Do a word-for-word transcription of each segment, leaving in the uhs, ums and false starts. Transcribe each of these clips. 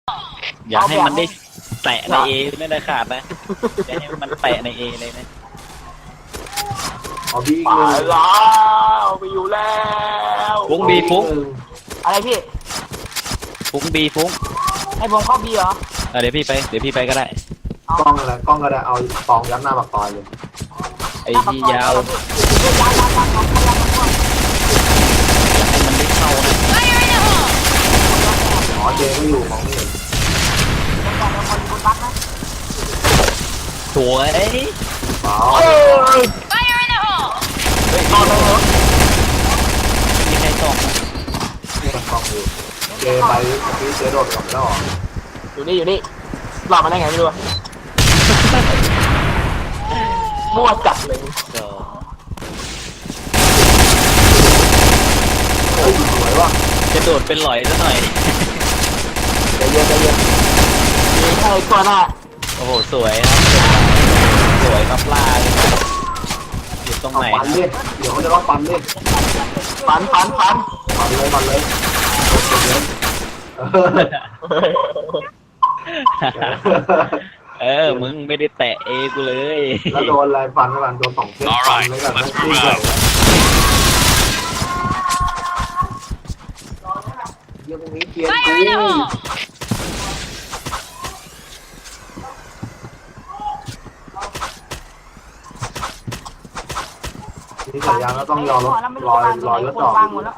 อย่าให้มันได้แตะในเอไม่ได้ขาดนะอย่าให้มันแตะในเอเลยนะเอาบีอีกไปหนึ่งแล้วไปอยู่แล้วฟุ้งบีฟุ้งอะไรพี่ฟุ้งบีฟุ้งให้ผมเข้าบีเหรอเดี๋ยวพี่ไปเดี๋ยวพี่ไปก็ได้กล้องอะไรกล้องก็ได้เอาฟองยัดหน้าปากซอยเลยไอ้ที่ยาวยาวยาวยาวยาวของพลังมันให้มันได้เข้านะอ๋อเจไม่อยู่ของไม่เห็นสวยเปล่าเอ้ยเฮ้ยเอาเลยเหรอไม่มีใครส่องนะนี่มันกล้องอยู่เจไปเมื่อกี้เจโดดกลับแล้วเหรออยู่นี่อยู่นี่หลอกมาได้ไงไม่รู้อะมั่วจัดเลยเดี๋ยวเฮ้ยสวยว่ะจะโดดเป็นหลอยซะหน่อยใจเย็นใจเย็นมีใครตัวหน้าโอ้โหสวยครับสวยครับล่าเลยอยู่ตรงเอาไหนปันนะเล่นเดี๋ยวเขาจะต้องปันเล่นฟันฟันฟันปันเลยปันเลยเออเออมึงไม่ได้แตะเอกูเลยแล้วโดนอะไรฟันกันโดนสองเส้นฟันเลยกันนั่นขึ้นเลยเรื่องพวกนี้เกียร์กูนี่สัญญาณก็ต้องยอมรถลอยลอยรถจอด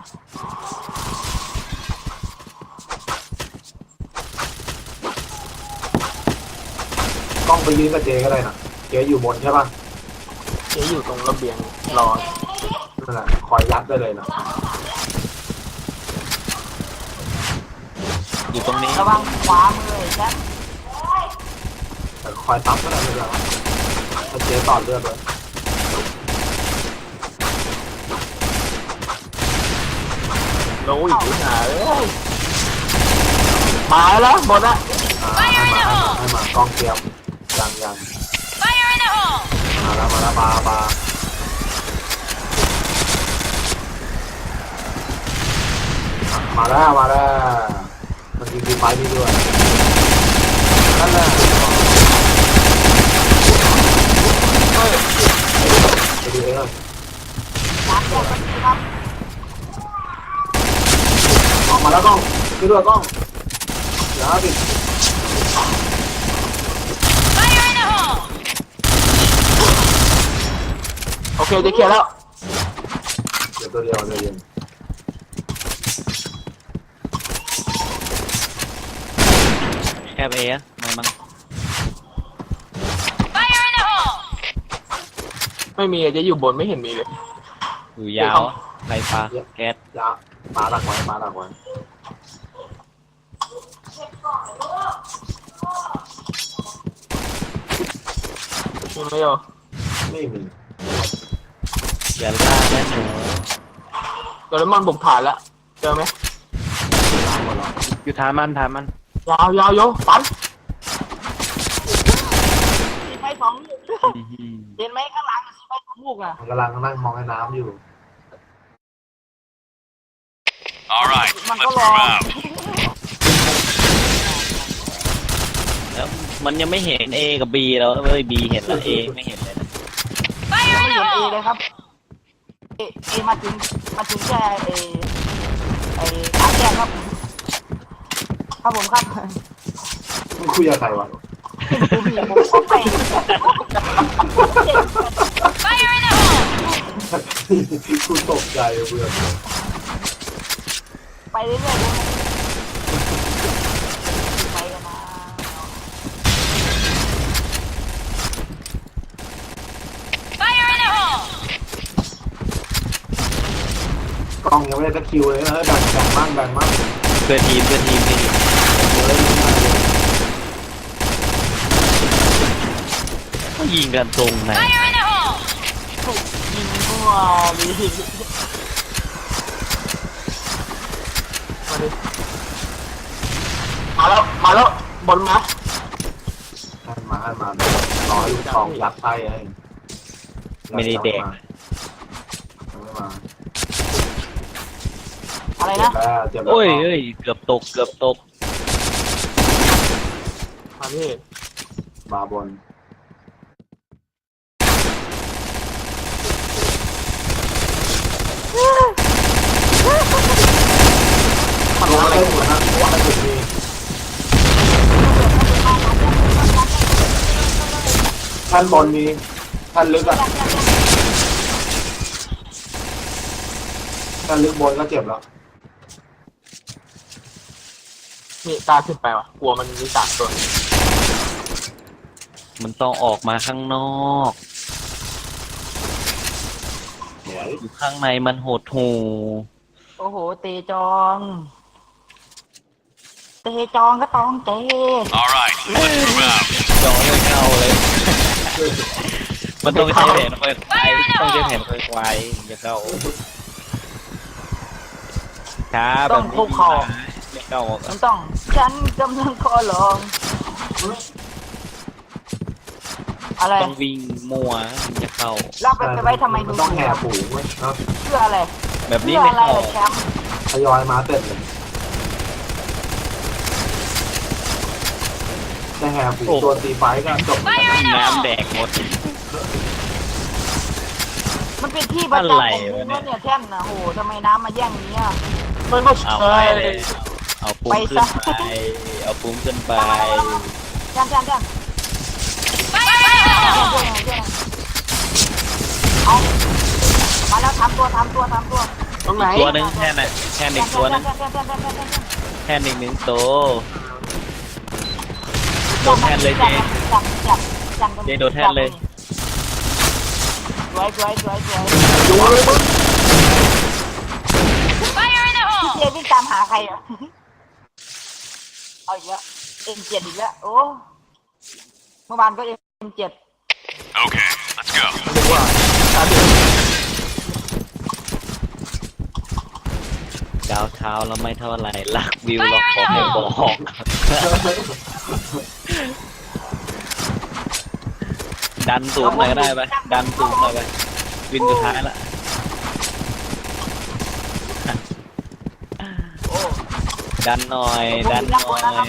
กล้องไปยืนกับเจก็ได้นะเจอยู่บนใช่ป่ะเจ๊อยู่ตรงระเบียงรอนั่นแหละคอยยัดได้เลยนะอยู่ตรงนี้ระวังขวามือแชมป์แต่คอยซับก็ได้ไม่เป็นไรถ้าเจต่อเลือดเลยโอ้ยหาเอ้ยมาแล้วหมดละอ่าให้มาให้มาให้มากล้องเตรียมยังยังมาแล้วมาแล้วปลาปลามาแล้วมาแล้วมันยิงดีไฟนี่ด้วยนั่นแหละไปดูเองเลยสามตัวกันครับออกมาแล้วกล้องช่วยด้วยกล้องเดี๋ยวดิโอเคจะเคลียร์แล้วเดี๋ยวตัวเดียวเดี๋ยวเย็นแคบเออะมันมันไม่มีอะเจ๊อยู่บนไม่เห็นมีเลยอยู่ยาวไรฟ้าแก๊สยามาดักไว้มาดักไว้มีไหมโยไม่มีอย่าล่าแม่หนูโดเรมอนบุกผ่านแล้วเจอไหมอยู่ทามันทามันยาวยาวโยฟันสีไฟสองเห็นไหมข้างหลังสีไฟสองลูกอ่ะมันกำลังนั่งมองไอ้น้ำอยู่ All right, มันก็ let's รอ move out. แล้วมันยังไม่เห็นเอกับบีแล้วเอ้ยบีเห็นแล้วเอไม่เห็นเลยนะยังไม่เห็นเอเลยครับเอเอมาถึงมาถึงแค่เอไอขาแก้ครับครับผมครับมึงคุยกับใครวะดูพี่ผมก็ไปกูตกใจเบื่อไปเรื่อยๆไปกันมากล้องยังไม่ได้ตะคิวเลยนะแบ่งแบ่งบ้างแบ่งบ้างเพื่อทีมเพื่อทีมพี่ก็ยิงกันตรงไหนยิงมั่วดิมาแล้วมาแล้วบนมาให้มาให้มาร้อยลูกทองยัดไส้ไอ้ไม่ได้แดงยังไม่มาอะไรเจ็นะบแล้วเจ็บแล้วโอ้ยเอ้ยเกือบตกเกือบตกามพี่บาร์บนมันอะไรหมดนะว่าอะไรมีท่านบนมีท่านลึกอ่ะท่านลึกบนก็เจ็บแล้วนี่กล้าขึ้นไปวะกลัวมันมีสามตัวมันต้องออกมาข้างนอกสวยอยู่ข้างในมันโหดหูโอ้โหเตจองเตจองก็ต้องเต All right, let's move out. จอไม่เข้าเลย มันต้องใช้แผนไฟไฟต้องใช้แผนไฟไฟจะเข้าช้าแบบนี้ไม่เข้ามันต้องฉันกำลังขอลองอะไรต้องวิ่งมัวจะเข้าเราไปไปไว้ทำไมมันดูต้องแห่ฝูงไว้นะเพื่ออะไรแบบนี้เพื่อไม่อะไรเข้าแชมป์ทยอยมาเสร็จเลยแต่แห่ฝูงตัวตีไฟก็จบน้ำแดงหมดมันเป็นที่ประจำอะไรของวะกูเนี่ยเนี่ยแท่นนะโหทำไมน้ำมาแย่งนี้อ่ะมันก็เอาใช่ไปเลยเอาปุ้มขึ้นไปเอาปุ้มขึ้นไปแท่นแท่นแท่นเอามาแล้วทำตัวทำตัวทำตัวตรงไหนตัวหนึ่งแค่น่ะแค่หนึ่งตัวหนึงแท่นแท่นแท่นแท่นแท่นแท่นแค่หนึ่งหนึ่งตัวโดนแทนเลยเจจับจับจับเจโดนแทนเลยสวยสวยสวยสวยดูเลยมึงพี่เจวิ่งตามหาใครอ่ะเอาอีกแล้วเอ็มเจ็ดอีกแล้วโอ้เมื่อวานก็เอ็มเจ็ด Okay, let's go. ดูว่าตาเดือดดาวเท้าแล้วไม่เท่าไหร่ลักวิวเราขอไม่บอกดันสูงหน่อยก็ได้ไปดันสูงหน่อยไปวินสุดท้ายละโอ้ดันหน่อยดันหน่อย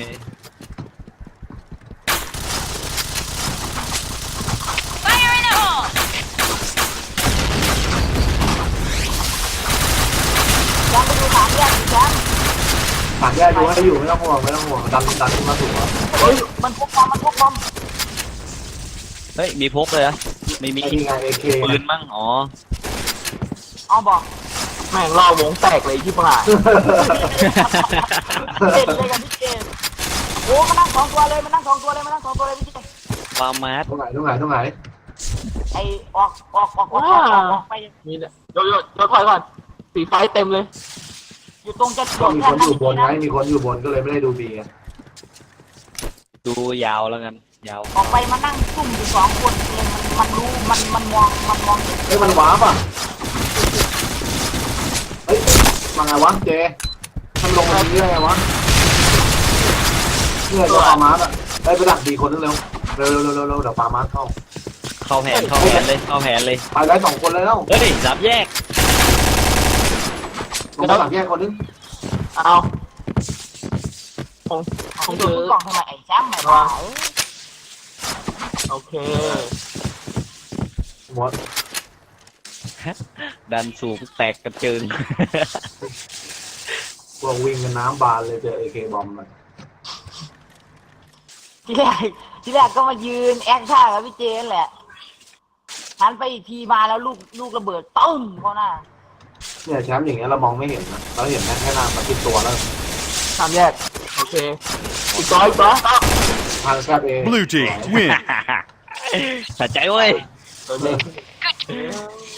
ยังไปดูสามแยกอีกแล้วถามแย่ดูให้อยู่ไม่ต้องห่วงไม่ต้องห่วงดันดันขึ้นมาถูกแล้วเฮ้ยมันพกบอมมันพกบอมเฮ้ยมีพกเลยอะไม่มีไอ้นี่ไงเอเคปืนมั่งอ๋อเอาบอกแม่งล่อวงแตกเลยที่ผ่านเจ็ดเลยกับพี่เจโอ้มานั่งสองตัวเลยมานั่งสองตัวเลยมานั่งสองตัวเลยพี่เจวามาร์ทตรงไหนตรงไหนตรงไหนไอออกออกออกออกออกออกไปนี่แหละโยโย่โยถอยก่อนสีไฟเต็มเลยอยู่ตรงจะก็มีคนอยู่บนไงมีคนอยู่บนก็เลยไม่ได้ดูบีไงดูยาวแล้วกันยาวออกไปมานั่งซุ่มอยู่สองคนเองมันมันรู้มันมันมองมันมองเฮ้ยมันว้าป่ะเฮ้ยมาไงวะเจมันลงมาเรื่อยไงวะเนี่ยจะปามาร์ทอ่ะไปไปดักบีคนนึงเร็วเร็วเร็วเร็วเร็วเดี๋ยวปามาร์ทเข้าเข้าแผนเข้าแผนเลยเข้าแผนเลยไปได้สองคนเลยแล้วเฮ้ยสามแยกลงมาหลังแยกคนนึงเอาผมผผมมดูถือกล่องทำไมไอ้แชมป์ไม่ไหวโอเคหมดดันสูงแตกกระเจิงพวกวิ่งกันน้ำบานเลยเจอเอเคบอมมันที่แรกที่แรกก็มายืนแอคท่ากับพี่เจนแหละหันไปอีกทีมาแล้วลูกลูกระเบิดตึ้มเขาหน้าเนี่ยแชมป์อย่างเงี้ยเรามองไม่เห็นนะเราเห็นแค่แค่หน้ามาติดตัวแล้วสามแยกโอเคอีกตัวอีกตัวทางแคบเอง Blue team, win. สะใจเว้ยตัวเด็ก